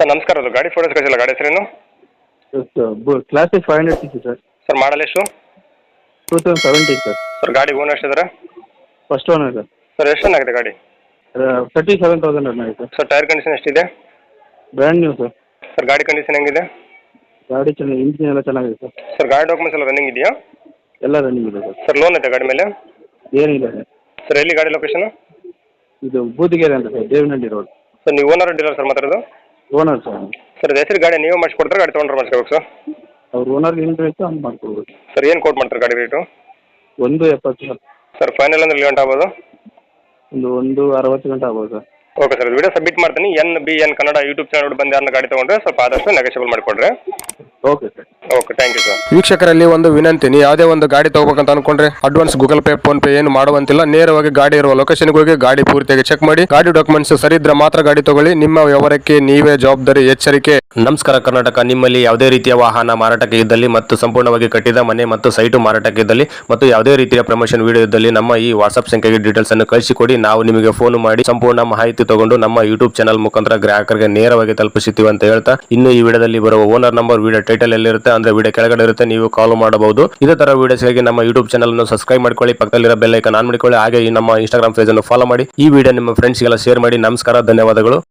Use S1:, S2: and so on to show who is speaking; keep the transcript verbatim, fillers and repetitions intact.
S1: Sir ನಮಸ್ಕಾರ, ಅದು ಗಾಡಿ ಫೋಟೋಸ್ ಕಳಿಸಿಲ್ಲ, ಗಾಡಿ ಹೆಸರೇನು?
S2: Classic five hundred six sir.
S1: Sir model ಎಷ್ಟು?
S2: Two thousand seventeen sir.
S1: Sir ಗಾಡಿ ಓನರ್ ಎಷ್ಟಿದ್ದಾರೆ?
S2: First owner sir.
S1: ಸರ್ ಎಷ್ಟು ರನ್ ಆಗಿದೆ ಗಾಡಿ?
S2: ತರ್ಟಿ ಸೆವೆನ್ ತೌಸಂಡ್ ರನ್ ಆಗಿದೆ ಸರ್.
S1: ಸರ್ ಟೈರ್ ಕಂಡೀಷನ್ ಎಷ್ಟಿದೆ?
S2: Brand new sir.
S1: ಸರ್ ಗಾಡಿ ಕಂಡೀಷನ್ ಹೆಂಗಿದೆ?
S2: ಗಾಡಿ ಚೆನ್ನಾಗಿ, ಇಂಜಿನ್ ಎಲ್ಲ ಚೆನ್ನಾಗಿದೆ ಸರ್.
S1: ಸರ್ ಗಾಡಿ ಡಾಕ್ಯುಮೆಂಟ್ಸ್ ಎಲ್ಲ ರನ್ನಿಂಗ್ ಇದೆಯಾ?
S2: ಎಲ್ಲ ರನ್ನಿಂಗ್ ಇದೆ ಸರ್.
S1: ಸರ್ ಲೋನ್ ಐತೆ ಗಾಡಿ ಮೇಲೆ?
S2: ಏನಿಲ್ಲ ಸರ್.
S1: ಸರ್ ಎಲ್ಲಿ ಗಾಡಿ ಲೊಕೇಶನ್?
S2: ಇದು ಬೂದಿಗೆರೆ ಅಂತ ಸರ್, ದೇವನಹಳ್ಳಿ ರೋಡ್.
S1: ಸರ್ ನೀವು ಓನರ್ ಡೀಲರ್ ಸರ್ ಮಾತಾಡೋದು?
S2: Owner sir.
S1: ಸರ್ ಹೆಸರು ಗಾಡಿ ನೀವೇ ಮಾಡಿಸ್ಕೊಡ್ತಾರೆ, ಗಾಡಿ ತೊಗೊಂಡ್ರೆ ಮಾಡಿಸ್ಕೋಬೇಕು ಸರ್?
S2: ಅವ್ರು ಓನರ್ಗೆ ಏನು ಬೇಕು ಹಂಗೆ ಮಾಡ್ಕೊಡ್ಬೋದು.
S1: ಸರ್ ಏನು ಕೋಟ್ ಮಾಡ್ತಾರೆ ಗಾಡಿ ರೇಟು?
S2: ಒಂದು ಎಪ್ಪತ್ತು ಸರ್.
S1: ಸರ್ ಫೈನಲ್ ಅಂದ್ರೆ ಗಂಟೆ ಆಗ್ಬೋದು?
S2: ಒಂದು ಒಂದು ಅರವತ್ತು ಗಂಟೆ ಆಗ್ಬೋದು sir.
S1: Okay sir, video submit ಮಾಡ್ತೀನಿ. N B N Kannada YouTube channel ಬಂದು ಯಾರನ್ನ ಗಾಡಿ ತೊಗೊಂಡ್ರೆ ಸ್ವಲ್ಪ ಆದಷ್ಟು ನೆಗೋಷಿಯಬಲ್ ಮಾಡಿಕೊಡ್ರಿ.
S2: Okay sir.
S1: Okay, thank you sir.
S3: ವೀಕ್ಷಕರಲ್ಲಿ ಒಂದು ವಿನಂತಿ, ನೀವು ಯಾವುದೇ ಒಂದು ಗಾಡಿ ತಗೋಬೇಕಂತ ಅನ್ಕೊಂಡ್ರೆ advance Google Pay PhonePe ಏನು ಮಾಡುವಂತಿಲ್ಲ. ನೇರವಾಗಿ ಗಾಡಿ ಇರುವ ಲೊಕೇಶನ್ಗೆ ಹೋಗಿ ಗಾಡಿ ಪೂರ್ತಿಯಾಗಿ ಚೆಕ್ ಮಾಡಿ, ಗಾಡಿ ಡಾಕ್ಯುಮೆಂಟ್ಸ್ ಸರಿ ಇದ್ರೆ ಮಾತ್ರ ಗಾಡಿ ತಗೊಳ್ಳಿ. ನಿಮ್ಮ ವ್ಯವಹಾರಕ್ಕೆ ನೀವೇ ಜವಾಬ್ದಾರಿ. ಎಚ್ಚರಿಕೆ. ನಮಸ್ಕಾರ ಕರ್ನಾಟಕ. ನಿಮ್ಮಲ್ಲಿ ಯಾವುದೇ ರೀತಿಯ ವಾಹನ ಮಾರಾಟಕ್ಕೆ ಇದ್ದಲ್ಲಿ ಮತ್ತು ಸಂಪೂರ್ಣವಾಗಿ ಕಟ್ಟಿದ ಮನೆ ಮತ್ತು ಸೈಟು ಮಾರಾಟಕ್ಕೆ ಇದ್ದಲ್ಲಿ ಮತ್ತು ಯಾವುದೇ ರೀತಿಯ ಪ್ರಮೋಷನ್ ವಿಡಿಯೋ ಇದ್ದಲ್ಲಿ ನಮ್ಮ ಈ ವಾಟ್ಸ್ಆಪ್ ಸಂಖ್ಯೆಗೆ ಡೀಟೇಲ್ಸ್ ಅನ್ನು ಕಳಿಸಿಕೊಡಿ. ನಾವು ನಿಮಗೆ ಫೋನ್ ಮಾಡಿ ಸಂಪೂರ್ಣ ಮಾಹಿತಿ ತಗೊಂಡು ನಮ್ಮ ಯೂಟ್ಯೂಬ್ ಚಾನಲ್ ಮುಖಾಂತರ ಗ್ರಾಹಕರಿಗೆ ನೇರವಾಗಿ ತಲುಪಿಸುತ್ತೀವಿ ಅಂತ ಹೇಳ್ತಾ, ಇನ್ನು ಈ ವಿಡಿಯೋದಲ್ಲಿ ಬರುವ ಓನರ್ ನಂಬರ್ ವಿಡಿಯೋ ಟೈಟಲ್ ಎಲ್ಲಿರುತ್ತೆ ಅಂದ್ರೆ ವಿಡಿಯೋ ಕೆಳಗಡೆ ಇರುತ್ತೆ, ನೀವು ಕಾಲ್ ಮಾಡಬಹುದು. ಇದೇ ತರ ವಿಡಿಯೋಸ್ಗಾಗಿ ನಮ್ಮ ಯೂಟ್ಯೂಬ್ ಚಾನಲ್ ಅನ್ನು ಸಬ್ಸ್ಕ್ರೈಬ್ ಮಾಡ್ಕೊಳ್ಳಿ, ಪಕ್ಕದಲ್ಲಿರೋ ಬೆಲ್ ಐಕಾನ್ ಆನ್ ಮಾಡಿಕೊಳ್ಳಿ. ಹಾಗೆ ಈ ನಮ್ಮ ಇನ್ಸ್ಟಾಗ್ರಾಮ್ ಪೇಜ್ ಅನ್ನು ಫಾಲೋ ಮಾಡಿ. ಈ ವಿಡಿಯೋ ನಿಮ್ಮ ಫ್ರೆಂಡ್ಸ್ಗೆಲ್ಲ ಶೇರ್ ಮಾಡಿ. ನಮಸ್ಕಾರ, ಧನ್ಯವಾದಗಳು.